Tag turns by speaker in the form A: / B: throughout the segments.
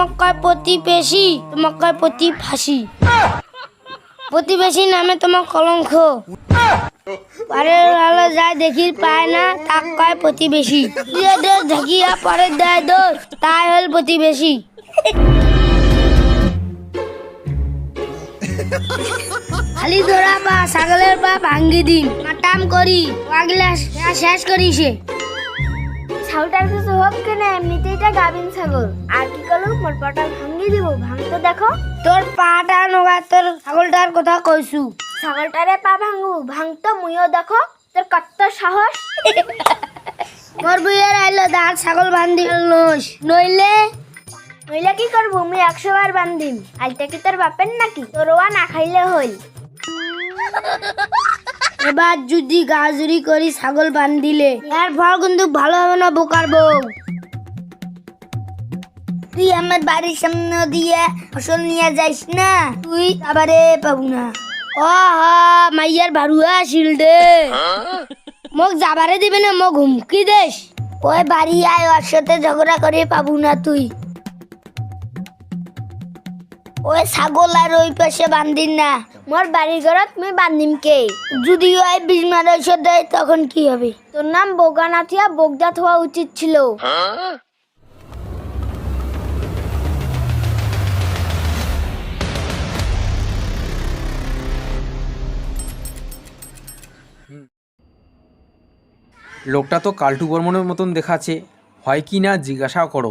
A: তোমাকে কয় প্রতিবেশী, তোমাকে কয় প্রতিভাসী। প্রতিবেশী নামে তোমার কলঙ্ক। পরের আলো যায় দেখি পায় না, তাক কয় প্রতিবেশী। দোষ ঢাকিয়া পরের দেয় দোষ, তাই হল প্রতিবেশী। খালি ধরা পা ছাগলের পা ভাঙ্গি দিন, মাটাম করি আগলা শেষ করি সে।
B: ছাগলটার কিছু হোক কেনা, এমনিতেই এটা গাভিন ছাগল। আর কি করলো, মোর পাটা ভাঙ্গি দিব। ভাঙতে দেখো।
A: তোর পাটা নগা, তোর ছাগলটার কথা কইছু।
B: ছাগলটারে পা ভাঙু, ভাঙতো মুইও দেখো। তোর কত সাহস।
A: মোর বুইয়ের আইলো দাঁড় ছাগল বান্ধি নইস, নইলে
B: নইলে কি করবো, মুই 100 বার বান্ধিম। আইটা কি তোর বাপের নাকি? তোর ওয়া না খাইলে হইল।
A: এবার যদি গাজুরি করি ছাগল বান্ধিলে এর ফল কিন্তু ভালো হবে না বোকার বউ। তুই আমার বাড়ির সামনে দিয়ে ফসল নিয়ে যাইস না, তুই আবারে পাবো না। ও হা মাইয়ার ভারুয়া আসিল দে, মোক যাবারে দিবে না, মোক হুমকি দেশ। ওই বাড়ি আয়, ওর সাথে ঝগড়া করে পাবো না তুই। ওই ছাগল আর ওই পাশে বান্ধিন না।
B: মোর বাড়ির ঘরত মুই বান্ধিম কে?
A: যদি ওই বিজমার ঔষধ দেয় তখন কি হবে?
B: তোর নাম বোগা না থিয়া বোগদাত হওয়া উচিত ছিল।
C: লোকটা তো কাল্টু বর্মনের মতন দেখাচ্ছে, হয় কি না জিজ্ঞাসা করো।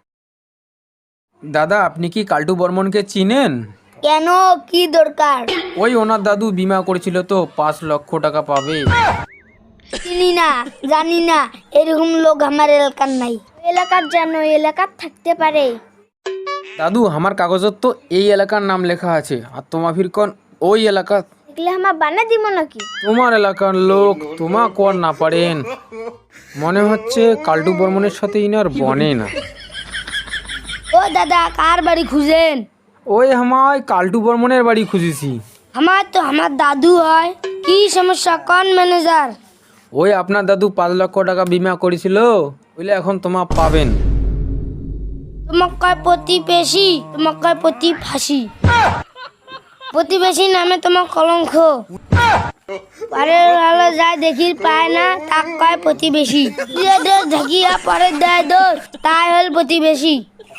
C: দাদা, আপনি কি কাল্টু বর্মনকে চিনেন?
A: কেন, কি দরকার?
C: ওই ওনার দাদু বিমা করেছিল তো, 5 লক্ষ টাকা পাবে।
A: চিনি না, জানি না, এরকম লোক আমার এলাকার নাই।
B: এলাকার জানো, এলাকার থাকতে পারে।
C: দাদু, আমার কাগজত তো এই এলাকার নাম লেখা আছে, আর তোমার ফিরকন ওই এলাকা।
B: এগুলো আমার বানা দিব নাকি?
C: তোমার এলাকার লোক তোমা কর না পারেন। মনে হচ্ছে কাল্টু বর্মনের সাথে ইনার বনে না।
A: ও দাদা, কার বাড়ি খুঁজেন?
C: ওই আমায় কাল্টু বর্মনের বাড়ি খুঁজেছি।
A: আমার দাদু হয়। কি সমস্যা, কোন ম্যানেজার?
C: ওই আপনার দাদু 5 লক্ষ টাকা বিমা করেছিল, বুঝলে এখন তোমা পাবেন।
A: তোমাকে কয় প্রতিবেশী, তোমাকে কয় প্রতিভাসী। প্রতিবেশী নামে তোমার কলঙ্ক। পরের আলো যায় দেখি পায় না, তাক কয় প্রতিবেশী। দোষ ঢাকিয়া পরের দেয় দোষ, তাই হল প্রতিবেশী।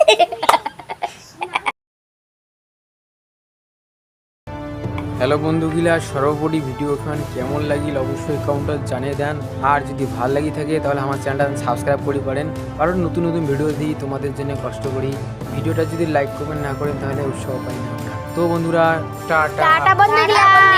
C: হ্যালো বন্ধুগুলা, সর্বোপরি ভিডিও খান কেমন লাগিল অবশ্যই কমেন্টে জানিয়ে দেন। আর যদি ভালো লাগি থাকে তাহলে আমার চ্যানেলটা সাবস্ক্রাইব করে পারেন, কারণ নতুন নতুন ভিডিও দিই তোমাদের জন্য কষ্ট করি। ভিডিওটা যদি লাইক কমেন্ট না করেন তাহলে উৎসাহ পাই না। তো বন্ধুরা, টাটা।
B: টাটা বন্ধুরা।